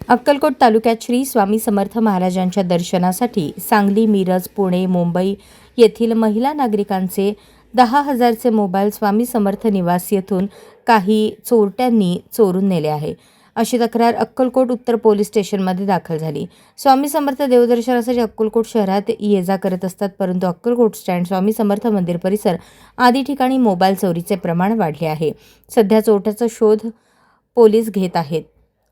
अक्कलकोट तालुक्यात श्री स्वामी समर्थ महाराजांच्या दर्शनासाठी सांगली, मिरज, पुणे, मुंबई येथील महिला नागरिकांचे 10,000चे मोबाईल स्वामी समर्थ निवास येथून काही चोरट्यांनी चोरून नेले आहे, अशी तक्रार अक्कलकोट उत्तर पोलीस स्टेशनमध्ये दाखल झाली। स्वामी समर्थ देवदर्शनासाठी अक्कलकोट शहरात ये-जा करत असतात, परंतु अक्कलकोट स्टँड, स्वामी समर्थ मंदिर परिसर आदी ठिकाणी मोबाईल चोरीचे प्रमाण वाढले आहे। सध्या चोरट्याचा शोध पोलीस घेत आहेत।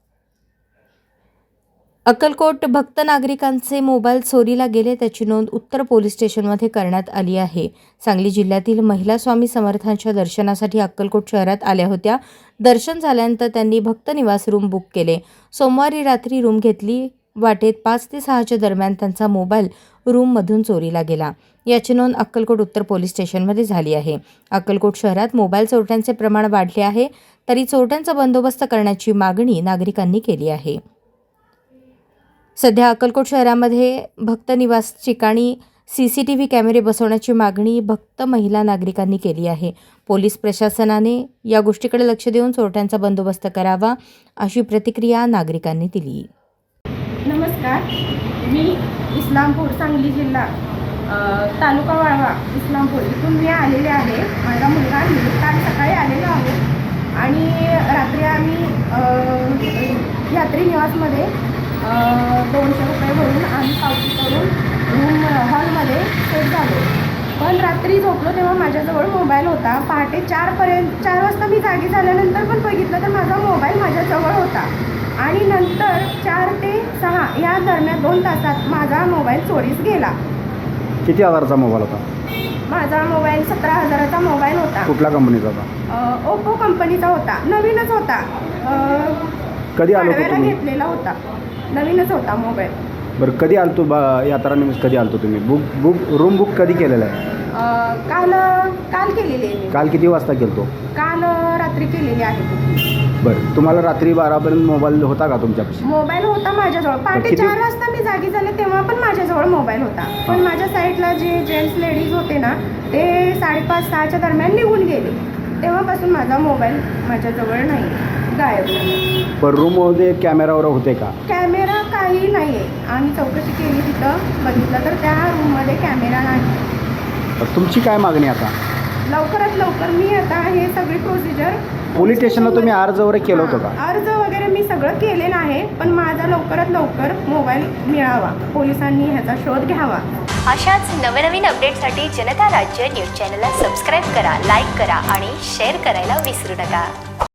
अक्कलकोट भक्त नागरिकांचे मोबाईल चोरीला गेले त्याची नोंद उत्तर पोलीस स्टेशनमध्ये करण्यात आली आहे। सांगली जिल्ह्यातील महिला स्वामी समर्थांच्या दर्शनासाठी अक्कलकोट शहरात आल्या होत्या। दर्शन झाल्यानंतर त्यांनी भक्त निवास रूम बुक केले। सोमवारी रात्री रूम घेतली। वाटेत 5 ते 6च्या दरम्यान त्यांचा मोबाईल रूममधून चोरीला गेला। याची नोंद अक्कलकोट उत्तर पोलीस स्टेशनमध्ये झाली आहे। अक्कलकोट शहरात मोबाईल चोरट्यांचे प्रमाण वाढले आहे, तरी चोरट्यांचा बंदोबस्त करण्याची मागणी नागरिकांनी केली आहे। सध्या अक्कलकोट शहरामध्ये भक्त निवास ठिकाणी CCTV कॅमेरे बसवण्याची मागणी भक्त महिला नागरिकांनी केली आहे। पोलीस प्रशासनाने या गोष्टीकडे लक्ष देऊन चोरट्यांचा बंदोबस्त करावा, अशी प्रतिक्रिया नागरिकांनी दिली। नमस्कार, मी इस्लामपूर, सांगली जिल्हा, तालुका वाळवा, इस्लामपूर इथून मी आलेले आहे। माझा मुलगा काल सकाळी आलेलो आहोत आणि रात्री आम्ही यात्री निवासमध्ये 200 रुपये भरून आम्ही पावती करून रूम हॉलमध्ये सेट झालो। पण रात्री झोपलो तेव्हा माझ्याजवळ मोबाईल होता। पहाटे 4 वाजता मी जागी झाल्यानंतर पण बघितलं तर माझा मोबाईल माझ्याजवळ होता आणि नंतर 4 ते 6 या दरम्यान 2 तासात माझा मोबाईल चोरीस गेला। किती हजाराचा मोबाईल होता? माझा मोबाईल 17,000चा मोबाईल होता। कुठल्या कंपनीचा होता? ओप्पो कंपनीचा होता, नवीनच होता। कधी आलो तुम्ही? घेतलेला होता, नवीनच होता मोबाईल। बरं, कधी आलतो यात्रा निमित्त कधी आलतो तुम्ही? रूम बुक कधी केलेलं आहे? काल केलेली आहे। काल किती वाजता केलतो? काल रात्री केलेली आहे। बरं, तुम्हाला रात्री 12पर्यंत मोबाईल होता का तुमच्यापाशी? मोबाईल होता माझ्याजवळ। पहाटे 4 वाजता मी जागी झाले तेव्हा पण माझ्याजवळ मोबाईल होता, पण माझ्या साईडला जे जेंट्स लेडीज होते ना ते 5:30-6च्या दरम्यान निघून गेले। तेव्हापासून माझा मोबाईल माझ्याजवळ नाही, गायब झाला। पण रूममध्ये कॅमेरा वगैरे होते का? कॅमेरा काही नाही आहे। आम्ही चौकशी केली, तिथं बघितलं तर त्या रूममध्ये कॅमेरा नाही। तुमची काय मागणी आता? लवकरात लवकर मी आता हे सगळी प्रोसिजर पोलीस स्टेशनला तुम्ही अर्ज वगैरे केलं होतं का? अर्ज वगैरे मी सगळं केलेलं आहे, पण माझा लवकरात लवकर मोबाईल मिळावा, पोलिसांनी ह्याचा शोध घ्यावा। अशाच नवनवीन अपडेटसाठी जनता राज्य न्यूज चॅनलला सबस्क्राईब करा, लाईक करा आणि शेअर करायला विसरू नका।